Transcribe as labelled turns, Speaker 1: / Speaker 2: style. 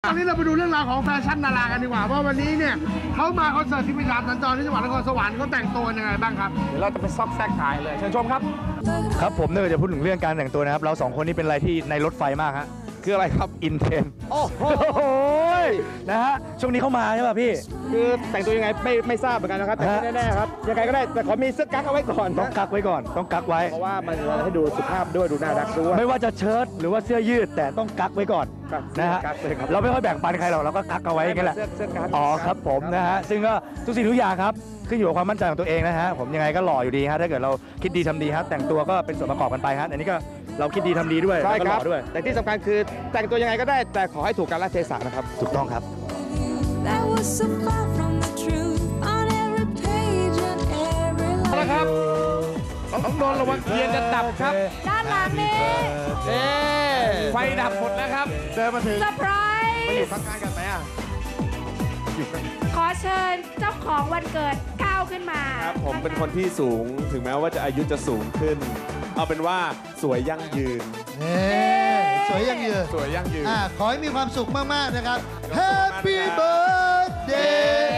Speaker 1: ตอนนี้เราไปดูเรื่องราวของแฟชั่นดารากันดีกว่าว่าวันนี้เนี่ยเขามาคอนเสิร์ตที่พิธาสัญจรที่จังหวัดนครสวรรค์เขาแต่งตัวยังไงบ้างครับ
Speaker 2: เดี๋ยวเราจะไปซอกแซกถ่ายเลยเชิญชมครับ
Speaker 3: ครับผมเนี่ยจะพูดถึงเรื่องการแต่งตัวนะครับเราสองคนนี้เป็นอะไรที่ในรถไฟมากฮะ
Speaker 2: คืออะไรครับ
Speaker 3: อินเทน
Speaker 2: โอ้โห
Speaker 3: นะฮะช่วงนี้เข้ามาใช่ป่ะพี่
Speaker 2: คือแต่งตัวยังไงไม่ทราบเหมือนกันนะครับแต่แน่ๆครับยังไงก็ได้แต่ขอมีเสื้อกั๊กเอาไว้ก่อน
Speaker 3: ต้องกักไว้ก่อนต้องกักไว้
Speaker 2: เพราะว่ามันให้ดูสุภาพด้วยดูน่ารักด้วย
Speaker 3: ไม่ว่าจะเชิ้ตหรือว่าเสื้อยืดแต่ต้องกักไว้ก่อนนะฮะเราไม่ค่อยแบ่งปันใครหรอกเราก็กักเอาไว้กันแหละอ๋อครับผมนะฮะซึ่งก็ทุกสิ่งทุกอย่างครับขึ้นอยู่กับความมั่นใจของตัวเองนะฮะผมยังไงก็หล่ออยู่ดีฮะถ้าเกิดเราคิดดีทำดีฮะแต่งตัวก็เป็นส่วนประกอบกันไปฮะอันนี้ก็เราคิดดีทำดีด้วย
Speaker 2: ใช่ครับ
Speaker 3: ด้วย
Speaker 2: แต่ที่สำคัญคือแต่งตัวยังไงก็ได้แต่ขอให้ถูกกาลเทศะนะครับ
Speaker 3: ถูกต้องครับ
Speaker 2: เอาละครับต้องโดนระวังเทียนจะดับครับ
Speaker 4: ด้านหลังนี้
Speaker 2: ไฟดับหมดแล้วครับ
Speaker 1: เดินมาถึง
Speaker 4: เซอร์ไพรส์
Speaker 2: ไปอยู่ข้างๆกันไหมอ่ะ
Speaker 4: ขอเชิญเจ้าของวันเกิดก้าวขึ้นมา
Speaker 5: ครับผมเป็นคนที่สูงถึงแม้ว่าจะอายุจะสูงขึ้นเอาเป็นว่าสวยยั่งยืน
Speaker 1: สวยยั่งยืน
Speaker 5: สวยยั่งยืน
Speaker 1: ขอให้มีความสุขมากๆนะครับ Happy Birthday